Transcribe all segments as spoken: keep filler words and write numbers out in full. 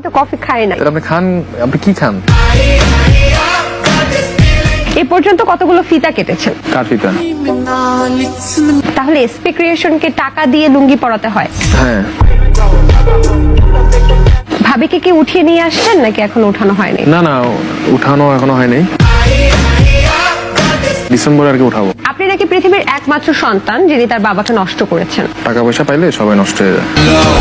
তো কফি খাই না। আপনি খান, আপনি কি খান? এই পর্যন্ত কতগুলো ফিতা কেটেছেন? কার ফিতা? তাহলে এসপি ক্রিয়েশনকে টাকা দিয়ে লুঙ্গি পরাতে হয়? হ্যাঁ। ভাবিকে কি উঠিয়ে নিয়ে আসছেন নাকি এখনো উঠানো হয়নি? না না, উঠানো এখনো হয়নি, ডিসেম্বরে আর কি উঠাবো। আপনি নাকি পৃথিবীর একমাত্র সন্তান যিনি তার বাবাকে নষ্ট করেছেন। টাকা পয়সা পাইলে সবাই নষ্ট হয়ে যায়।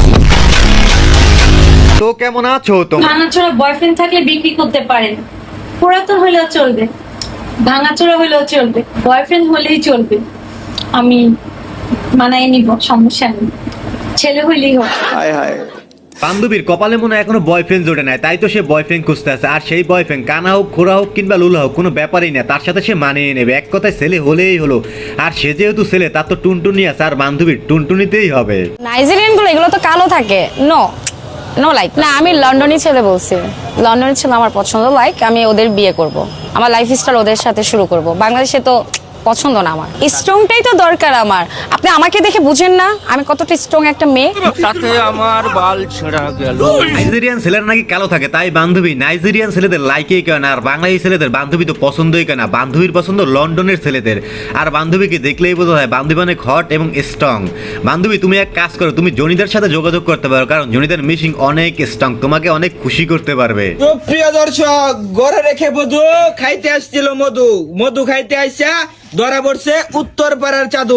তো কেমন আছো তোমরা? ভাঙাচোরা বয়ফ্রেন্ড থাকলে বিক্রি করতে পারেন, পুরাতন হলেও চলবে, ভাঙাচোরা হলেও চলবে, বয়ফ্রেন্ড হলেই চলবে। আমি মানায় নিব, সমস্যা নেই, ছেলে হইলেই হোক। বান্ধবীর কপালে মনে হয় এখনো বয়ফ্রেন্ড জোটে নাই, তাই তো সে বয়ফ্রেন্ড খুঁজতে আছে। আর সেই বয়ফ্রেন্ড কানা হোক, খোরা হোক কিংবা লুলা হোক, কোনো ব্যাপারই না, তার সাথে সে মানিয়ে নেবে। এক কথায় ছেলে হলেই হলো। আর সে যেহেতু ছেলে, তার তো টুনটুনি আছে, আর বান্ধবীর টুনটুনিতেই হবে। নাইজেরিয়ান গুলো এগুলো তো কালো থাকে। নো নো লাইক না, আমি লন্ডনী ছেলে বলছি। লন্ডনী ছেলে আমার পছন্দ, লাইক আমি ওদের বিয়ে করব, আমার লাইফ স্টাইল ওদের সাথে শুরু করব। বাংলাদেশে তো পছন্দ না আমার। স্ট্রংটাই তো দরকার আমার। আপনি আমাকে দেখে বুঝেন না আমি কতটা স্ট্রং একটা মেয়ে। তাতে আমার বাল ছেঁড়া গেল। নাইজেরিয়ান ছেলেরা নাকি কালো থাকে, তাই বান্ধবী নাইজেরিয়ান ছেলেদের লাইকেই কেন, আর বাংলাদেশি ছেলেদের বান্ধবী তো পছন্দই কেন। বান্ধবীর পছন্দ লন্ডনের ছেলেদের। আর বান্ধবীকে দেখলেই বোঝা যায় বান্ধবী অনেক হট এবং স্ট্রং। বান্ধবী তুমি এক কাজ করো, তুমি জনিদার সাথে যোগাযোগ করতে পারো, কারণ জনিদার মিশিং অনেক স্ট্রং, তোমাকে অনেক খুশি করতে পারবে। তো প্রিয় দর্শক, ঘরে রেখে মধু খাইতে আসছিল, মধু মধু খাইতে আসা ধরা পড়ছে উত্তর পাড়ার চাদু।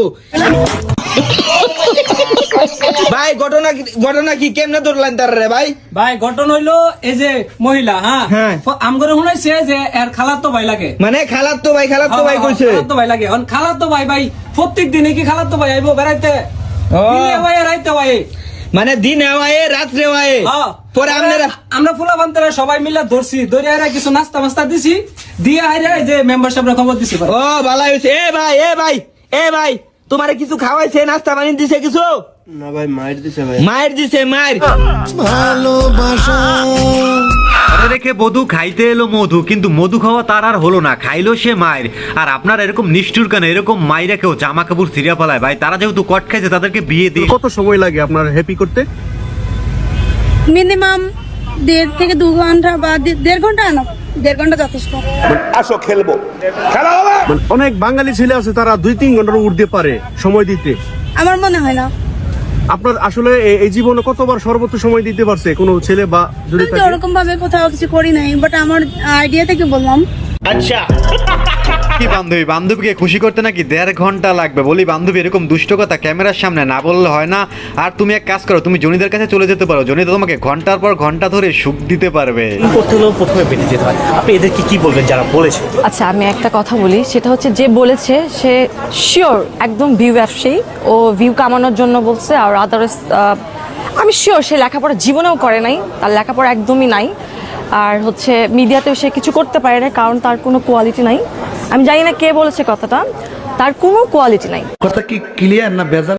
ভাই ঘটনা ঘটনা কি কেমনে ধরলেন তার রে ভাই? ভাই ঘটনা হইলো এই যে মহিলা, হ্যাঁ হ্যাঁ। আমগরে শুনাইছে যে এর খালার তো ভাই লাগে, মানে খালাত তো ভাই খালাত তো ভাই কইছে খালার তো ভাই লাগে। এখন খালার তো ভাই ভাই প্রত্যেক দিনে কি খালার তো ভাই আইবো বেড়াইতে? ও। দিনে ভাই রাইতে ভাই। মানে দিন হওয়ায় রাত্রে হওয়ায় হ্যাঁ। পরে আপনারা আমরা ফুলা বান্তরা সবাই মিলে ধরছি, ধরে আইরা কিছু নাস্তা মাস্তা দিছি, দিয়ে আইরা এই যে মেম্বারশিপ খবর দিছি ভাই। ও ভালো হয়েছে। এ ভাই এ ভাই এ ভাই তোমারে কিছু খাওয়াইছে, নাস্তা পানি দিছে কিছু? না ভাই, মায়ের দিছে ভাই। মায়ের দিছে মায়ের। ঘরে রেখে মধু খাইতে এলো মধু, কিন্তু মধু খাওয়া তার আর হলো না, খাইলো সে মায়ের। আর আপনার এরকম নিষ্ঠুর কেন? এরকম মায়েরা কেউ জামা কাপড় ছিঁড়া ফেলায় ভাই। তারা যেহেতু কট খাইছে, তাদেরকে বিয়ে দিয়ে কত সময় লাগে আপনার হ্যাপি করতে? মিনিমাম দেড় থেকে দু ঘন্টা বা দে- দেড় ঘন্টা না, দেড় ঘন্টা যথেষ্ট। মানে অনেক বাঙালি ছেলে আছে তারা দুই তিন ঘন্টার উঠতে পারে সময় দিতে। আমার মনে হয় না। আপনার আসলে এ- এই জীবনে কতবার সর্বোচ্চ সময় দিতে পারছে কোনো ছেলে বা যদি আমি তো থাকে? ওরকম ভাবে কোথাও কিছু করি নাই, বাট আমার আইডিয়া থেকে বললাম। কি বান্ধবী, বান্ধবীকে খুশি করতে নাকি দেড় ঘন্টা লাগবে? বলি বান্ধবী, এরকম দুষ্ট কথা ক্যামেরার সামনে না বললে হয় না। আর তুমি এক কাজ করো, তুমি জনিদের কাছে চলে যেতে পারো, জনিদা তোমাকে ঘন্টার পর ঘন্টা ধরে সুখ দিতে পারবে। করতে হলেও প্রথমে বেঁধে যেতে হয়। আপনি এদেরকে কি বলবেন যারা বলেছে? আচ্ছা আমি একটা কথা বলি, সেটা হচ্ছে যে বলেছে সে শিওর একদম ভিউ ব্যবসায়ী, ও ভিউ কামানোর জন্য বলছে। আর আদারস আমি শিওর সে লেখাপড়া জীবনেও করে নাই, তার লেখাপড়া একদমই নাই। আর হচ্ছে মিডিয়াতেও সে কিছু করতে পারে না, কারণ তার কোনো কোয়ালিটি নাই। আমি জানি না কে বলেছে কথাটা, তার কোনো কোয়ালিটি নাই। কথা কি ক্লিয়ার না ভেজাল?